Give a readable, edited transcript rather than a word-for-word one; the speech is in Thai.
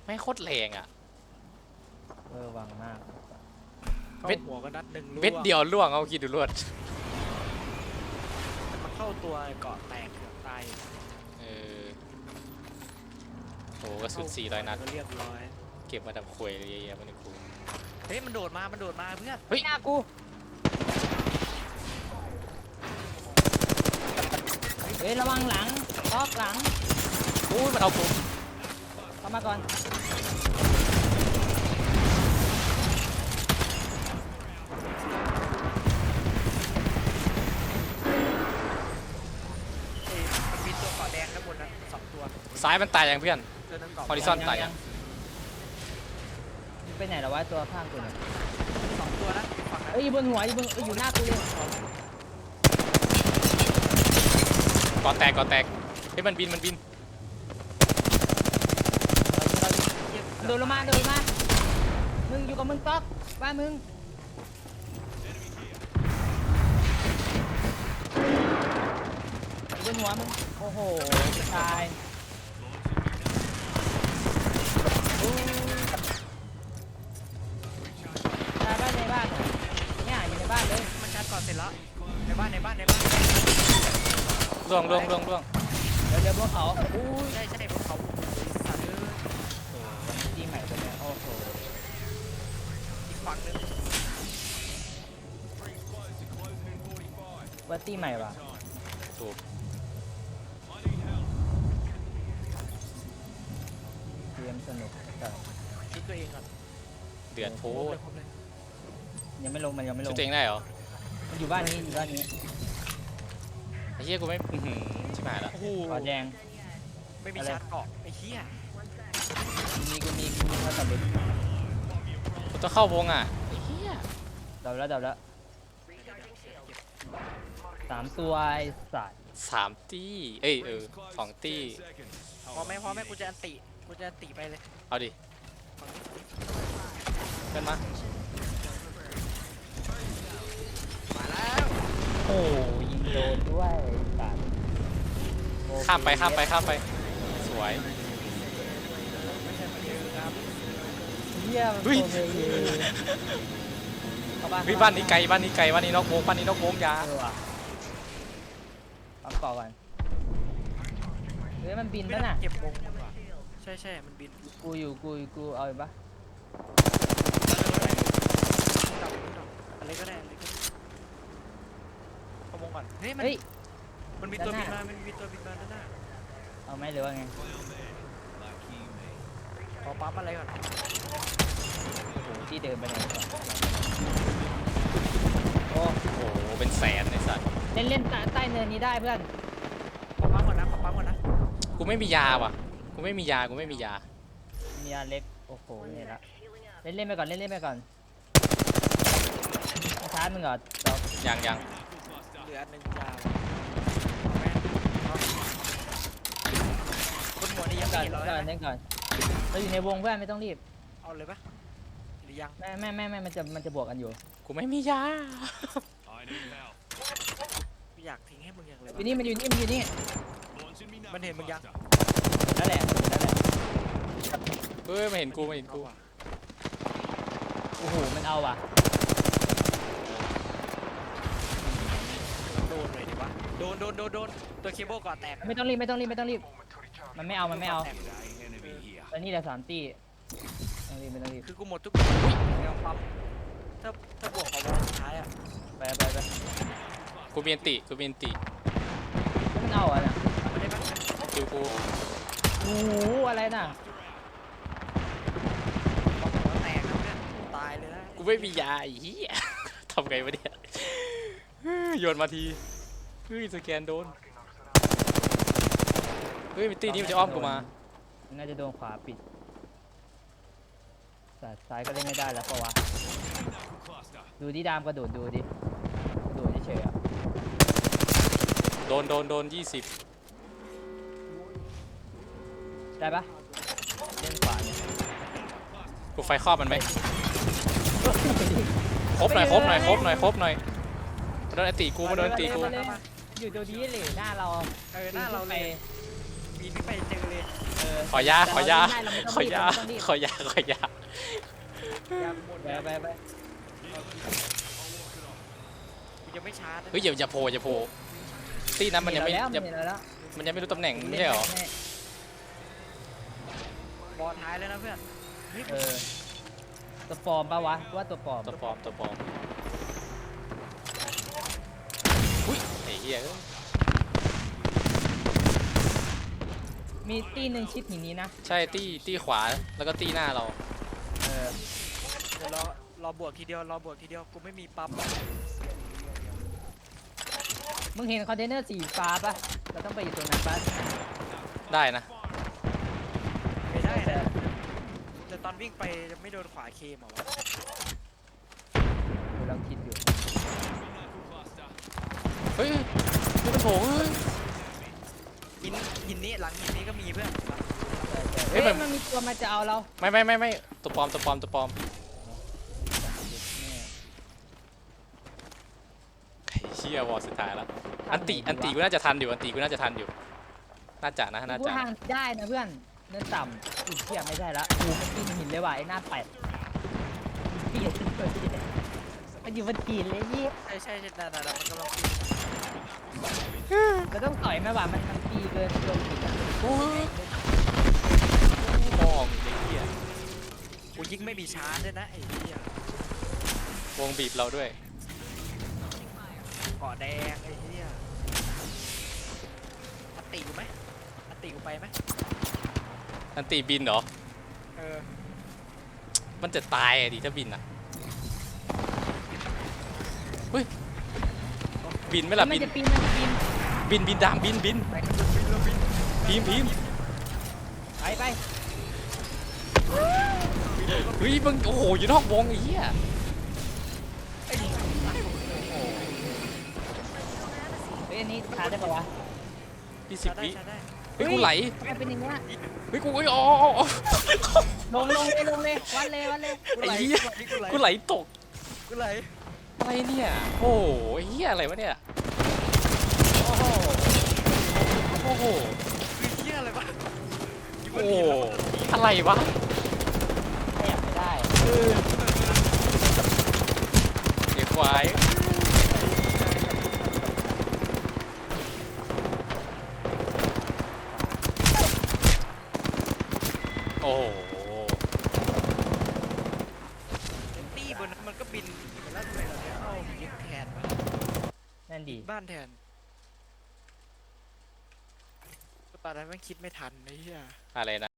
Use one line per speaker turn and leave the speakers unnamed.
ไม่โคตรแรงอ่ะ
วังมาก
เข้าหัวก็นัดหนึ่ง
เม็ดเดียวล่วงเอาคิดดูรวด
มันเข้าตัวเกาะแตกเกือบตาย
โอ้กระสุน400 นัด
ก็เรียบร้อย
เก็บมาดับควยเลยเยอะๆมันกู
เฮ้ยมันโดดมาเพื่อน
เฮ้ย
หน้ากูเฮ้ยระวังหลังล็อกหลัง
อู้มันเอาผม
เข้ามาก่อน
มันมีตัวเกาะแดงข้างบนนะ2 ตัว
ซ้ายมันตายยังเพื่อน
ตัวนึงเกาะ
ฮอริซอนตายยัง
ไปไหนแล้ววะตัวข้างกูเนี่ย
2 ตัวนะฝั่งนั้น
อยู่บนหัวอยู่หน้ากูเลย
ก่อแตกเฮ้ยมันบิน
โดนลงมามึงอยู่กับมึงต๊อกบ้านมึงอยู่บนหัวมึงโอ้โหตายตายบ้านในบ้านเนี่ยอยู่ในบ้านเลย
มันชาร์จก่อนเสร็จแล้วในบ้าน
ล่วง
เดี๋ยวพวกเขาอู้ย
ใช่พวกเขาสัตว์
ทีใหม่ตัวเนี้ยโอ้โห
อีกฝั่งนึง
วัตตี้ใหม่ว่ะ
ถูก
เกมสนุกแต่
คิดตัวเองก่อน
เดือดโพด
ยังไม่ลงมันยังไม่ล
ชุ
ง
ดตัวเองได้เหรอ
มันอยู่บ้านนี้
ไอ้เหี้ยกูไม่ชิบหายละ
โอ้โห
ขอแดง
ไม่มีชาร์จเกาะไอ้เหี้ย
กูมีเขาตัดเล็บ
กูต้องเข้าวงอ่ะไอ้เหี้ย
ดับแล้ว3 ตัวไอ้สัตว์
3 ตี้2 ตี้
พอไหมกูจะอันติไปเลย
เอาดิเพื่อนมา
มาแล้ว
โอ้ยิงโดนด้วยสัตว์
ข้ามไปสวย
ไม่ใช่มาเยอะครับ
เยี่ยม
เฮ้ย
เข้าบ้าน
เฮ้ยบ้านนี้ไกลบ้านนี้นอกวงยา
ว่ะปั๊มก่อก่อนเฮ้ยมันบิน
ไม่
ปะ
น่า
น่ะ
เก็บวงมันว่ะใช่มันบิน
กูเอาอีกปะ
อะไรก็ได้ขโมงก่อนเฮ้ย
เฮ้ย
มันมีตัวบินมาด้านหน้า
เอาไหมหรือว่าไง
ขอปั๊มอะไรก่อน
โอ้โหที่เดินไปไหนก่อนโอ้
โอ้โหเป็นแสนไอ้สัตว์
เล่นใต้เนินนี้ได้เพื่อน
ขอปั๊มก่อนนะ
กูไม่มียาว่ะกูไม่มียา
มีอันเล็กโอ้โหเนี่ยละเล่นไปก่อนชาร์จมึงก่อนเรา
ยัง
เหลือ1 ยาวบนหัวนี่ยัง
ก่
ไม่
อน
เห็นเรา
เล่นก่อนเราอยู่ในวงเพื่อนไม่ต้องรีบ
เอาเลยปะหรือยัง
ไม่มันจะบวกกันอยู่
กูไม่มียา
ไม่อยากทิ้งให้มึงอย่างเลย
อยู่นี่มันอยู่นี่
มันเห็นมึงยัง
นั่นแหละ
เฮ้ยไม่เห็นกู
โอ้โหมันเอาว่ะ
โดนเลยดิวะโดนตัวเคเบิลก่อนแตก
ไม่ต้องรีบมันไม่เอาตอนนี้เหลือ3 ตีไม่ต้องรีบ
คือกูหมดทุกตัวแล้วปั๊มถ้าบวกของวงสุดท้ายอ่ะ
ไป
กูมีอันติ
มันเอาอ่ะนะ
ไม่ได้ปะ
คิวกู
โอ้โหอะไรน่ะ
ของหัวแตกแล้วเนี่ยตายเลยนะ
กูไม่มียาไอ้เหี้ย ทำไงวะเนี่ยโยนมาทีเฮ้ยสแกนโดนเฮ้ยมิตตี้นี่มันจะอ้อมกูมา
น่าจะโดนขวาปิดแต่ซ้ายก็เล่นไม่ได้แล้วปะวะดูดิดามกระโดดดูดิเฉยๆอ่ะ
โดน20
ได้ปะเล่นขวาเนี่ย
กูไฟครอบมันไหมครบหน่อยมาโดนอันติกู
อยู่ตัวนี้เลยหน้าเรา
หน้าเราเลยบินไปเจอเลย
ขอยา
แต่
ขอยา
เราไม่
ขอยา
ต้องรีบ
ขอยา ขอยา
ยามหมด
ไป
กูยังไม่ชาร์จนะ
เฮ้ยอย่าโผล่อย่าโผล่ตีนั้นมันยังไม่
เห็
ยัง
เราแล้ว
มันยังไม่รู้ตำแหน่งไม่ใช่เหรอ
บอลท้ายแล้วนะเพื่อนเฮ้ย
ตัวปลอมปะวะว่าตัวปลอม
ตัวปลอมตัวปลอมอุ้ยไอ้เหี้ย
มีตีหนึ่งชิดหินนี้นะ
ใช่ตีขวาแล้วก็ตีหน้าเรา
เดี๋ยวรอบวกทีเดียวกูไม่มีปั๊ม
มึงเห็นคอนเทนเนอร์สีฟ้าปะเราต้องไปอยู่ตรงนั้นปะ
ได้นะ
ไม่ได้นะแต่ตอนวิ่งไปจะไม่โดนขวาเคมเหรอวะ
เดี๋ยวเราคิดอยู่
เฮ้ยนี่มันโผล่เฮ้ย
หินนี้หลังหินนี้ก็มีเพื่อน
เฮ้
เฮ้
ย
ย
มัน
มันมีตัวมาจะเอาเรา
ไม่ตัวปลอมตัวปลอมตัวปลอมไอ้เชี่ยวอลสุดท้ายแล้วอันติกูน่าจะทันอยู่อันติกูน่าจะทันอยู่น่าจะนะน่า
พูด
จะ
ทางได้นะเพื่อนเนินต่ำอุ้ยเทียไม่ได้ละกูมันปีนหินเลยว่ะไอ้หน้าแปดเปียมันอยู่บนหินเลยยี่
ใช่แต่มันกำลังปีน
เราต้องต่อยไหมวะมันปีเกินลงหินอะ
โอ้ยมองไอ้เหี้ย
กูยิงไม่มีชาร์จด้วยนะไอ้เหี้ยว
งบีบเราด้วย
เกาะแดงไอ้เหี้ยอัตติกูไหมอัตติกูไปไหม
อันติบินเหรอ
เออ
มันจะตายอะดิถ้าบินอ่ะเฮ้ยบินไหมล่ะ
มั
บิ
น
น
จะปีนมันจะปีน
บินดามบิน
ไปกันเราบิน
พิมพ์
ไป
เฮ้ยมึงโอ้โหอยู่นอกวงไอ้เหี้ย
ไอ้นี่
เฮ้ยอันนี้ทานได้ปะวะ
พี่
ชา
10 วิ
ร์จได้
เฮ้ยกูไหล
ทำไมเป็นอย่างเงี้ย
เฮ้ยกูเฮ้ยอ๋อ
ลงเลยวัดเลย
กูไหล
ไอ้เหี้ย กูไหลตก
กูไหล
อะไรเนี่ยโอ้โหไอ้เหี้ยอะไรวะเนี่ยโอ้โหโอ้โห
คือเหี้ยอะไรวะ
โอ้โหอะไรวะ
ขยับไม่ได้
เด็กควายโอ้โห
ตี้บนนั้นมันก็บินแล้วทำไมเราเนี่ยเข้ายิงแทนวะ
นั่นดี
บ้านแทนตอนนั้นแม่งคิดไม่ทันไอ้เหี้ย
อะไรนะ